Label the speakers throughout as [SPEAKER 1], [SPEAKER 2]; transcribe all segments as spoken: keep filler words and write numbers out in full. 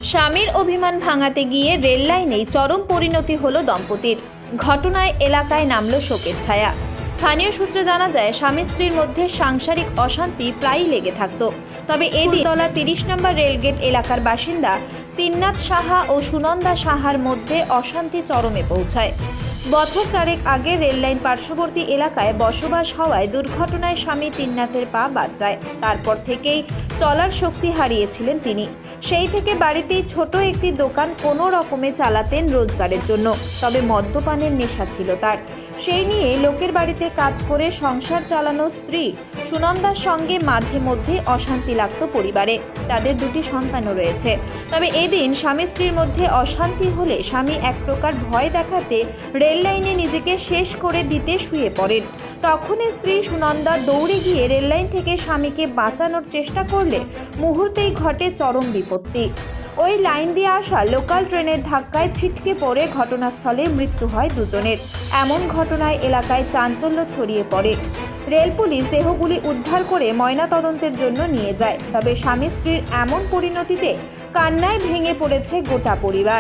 [SPEAKER 1] স্বামীর অভিমান ভাঙাতে গিয়ে রেল লাইনেই চরম পরিণতি হলো দম্পতির। ঘটনায় এলাকায় নামল শোকের ছায়া। স্থানীয় সূত্রে জানা যায়, স্বামী স্ত্রীর মধ্যে সাংসারিক অশান্তি প্রায়ই লেগে থাকত। তবে এদিন তলা তিরিশ নম্বর রেলগেট এলাকার বাসিন্দা তিন্নাথ সাহা ও সুনন্দা সাহার মধ্যে অশান্তি চরমে পৌঁছায়। বছর চারেক আগে রেললাইন পার্শ্ববর্তী এলাকায় বসবাস হওয়ায় দুর্ঘটনায় স্বামী তিন্নাথের পা বাদ যায়। তারপর থেকেই চলার শক্তি হারিয়েছিলেন তিনি। সেই থেকে বাড়িতেই ছোট একটি দোকান কোনো রকমে চালাতেন রোজগারের জন্য। তবে মদ্যপানের নেশা ছিল তার। সেই নিয়ে লোকের বাড়িতে কাজ করে সংসার চালানো স্ত্রী সুনন্দার সঙ্গে মাঝে মধ্যে অশান্তি লাগত পরিবারে। তাদের দুটি সন্তানও রয়েছে। তবে এদিন স্বামী স্ত্রীর মধ্যে অশান্তি হলে স্বামী এক প্রকার ভয় দেখাতে রেল লাইনে নিজেকে শেষ করে দিতে শুয়ে পড়েন। তখন স্ত্রী সুনন্দা দৌড়ে গিয়ে রেললাইন থেকে স্বামীকে বাঁচানোর চেষ্টা করলে মুহূর্তেই ঘটে চরম বিপত্তি। ওই লাইন দিয়ে আসা লোকাল ট্রেনের ধাক্কায় ছিটকে পড়ে ঘটনাস্থলে মৃত্যু হয় দুজনের। এমন ঘটনায় এলাকায় চাঞ্চল্য ছড়িয়ে পড়ে। রেল পুলিশ দেহগুলি উদ্ধার করে ময়নাতদন্তের জন্য নিয়ে যায়। তবে স্বামী স্ত্রীর এমন পরিণতিতে কান্নায় ভেঙে পড়েছে গোটা পরিবার।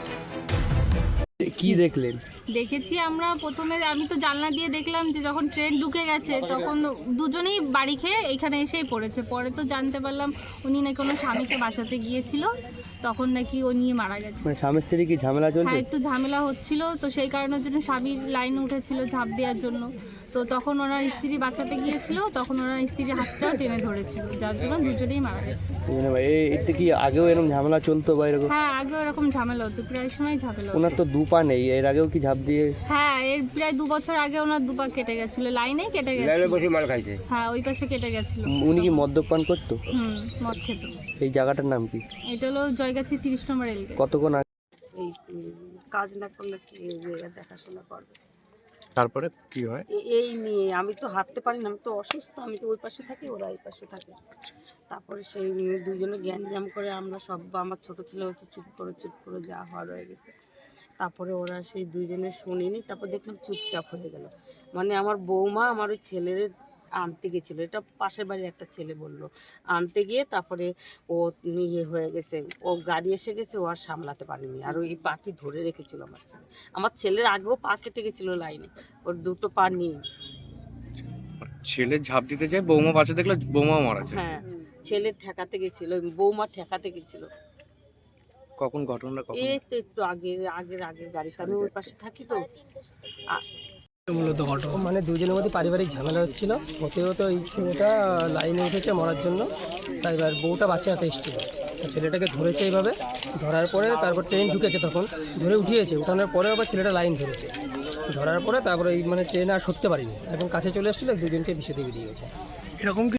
[SPEAKER 2] কি দেখলেন?
[SPEAKER 3] দেখেছি আমরা প্রথমে, আমি তো জানলা দিয়ে দেখলাম যে যখন ট্রেন ঢুকে গেছে তখন দুজনেই বাড়ি খেয়ে এখানে এসেই পড়েছে। পরে তো জানতে পারলাম উনি নাকি কোনো স্বামীকে বাঁচাতে গিয়েছিল, তখন নাকি ও নিয়ে মারা গেছে।
[SPEAKER 2] মানে স্বামী স্ত্রী কি ঝামেলা চলছে?
[SPEAKER 3] হ্যাঁ, একটু ঝামেলা হচ্ছিল, তো সেই কারণের জন্য স্বামীর লাইনে উঠেছিল ঝাঁপ দেওয়ার জন্য। তো তখন ওনার স্ত্রী বাঁচাতে গিয়েছিল, তখন ওনার স্ত্রীর হাতটাও টেনে ধরেছিল, যার জন্য দুজনেই মারা গেছে।
[SPEAKER 2] এতে কি আগেও এরকম ঝামেলা চলতো বা এরকম?
[SPEAKER 3] হ্যাঁ, আগেও এরকম ঝামেলা হতো, প্রায় সময় ঝামেলা হতো।
[SPEAKER 2] ওনার তো দু পা নেই, এর আগেও কি ঝাঁপ দিয়ে?
[SPEAKER 3] হ্যাঁ, এর প্রায় দু বছর আগে ওনার দুপা কেটে গেছিল, লাইনে কেটে গেছিল। হ্যাঁ, ওই পাশে কেটে গেছিল।
[SPEAKER 2] উনি কি মদ্যপান করতো?
[SPEAKER 3] হুম, মদ খেত।
[SPEAKER 2] এই জায়গাটার নাম কি?
[SPEAKER 3] এটা হলো জয়গাছি তিরিশ নম্বর রেলগেট।
[SPEAKER 2] কতক্ষণ আগে?
[SPEAKER 4] এই কাজ না করলে কি দেখাশোনা করবে?
[SPEAKER 5] তারপরে কি হয়?
[SPEAKER 4] এ- এই নিয়ে আমি তো হাঁটতে পারি না, আমি তো অসুস্থ, আমি তো ওই পাশে থাকি, ওরা এই পাশে থাকে। তারপরে সেই নিয়ে দুজনে জ্ঞানজাম করে আমরা সব, আমার ছোট ছেলে হচ্ছে চুপ করে চুপ করে যা হওয়ার হয়ে গেছে। তারপরে ওরা সেই দুইজনে শুনিনি, তারপর দেখলাম চুপচাপ হয়ে গেল। মানে আমার বৌমা আমার ওই ছেলের আনতে গেছিলো, এটা পাশের বাড়ির একটা ছেলে বলল, আনতে গিয়ে তারপরে ও ইয়ে হয়ে গেছে, ও গাড়ি এসে গেছে, ও আর সামলাতে পারেনি, আর ওই পাটি ধরে রেখেছিল আমার ছেলে। আমার ছেলের আগেও পা কেটে গেছিলো লাইনে, ওর দুটো পা নেই।
[SPEAKER 5] ছেলে ঝাঁপ দিতে যায়, বৌমা বাচ্চা দেখলে বৌমা মারা যায়।
[SPEAKER 4] হ্যাঁ, ছেলে ঠেকাতে গেছিল, বৌমা ঠেকাতে গেছিল।
[SPEAKER 5] কখন ঘটনাটা কখন?
[SPEAKER 4] এই তো একটু আগে আগের আগের গাড়িতে, আমি ওই পাশে থাকি তো।
[SPEAKER 6] মূলত ঘটনা মানে দুজনের মধ্যে পারিবারিক ঝামেলা হচ্ছিল। হতে হতে এই ছেলেটা লাইনে উঠেছে মরার জন্য, তাই এবার বউটা বাচ্চা হাতে এসেছিল। ছেলেটাকে ধরেছে এইভাবে, ধরার পরে তারপর ট্রেন ঢুকেছে, তখন ধরে উঠিয়েছে। উঠানোর পরে আবার ছেলেটা লাইন ধরেছে, ধরার পরে তারপরে এই মানে ট্রেন আর সরতে পারিনি, এখন কাছে চলে এসেছিলো, দুজনকে বিষে দিয়ে বেরিয়ে গেছে।
[SPEAKER 7] এরকম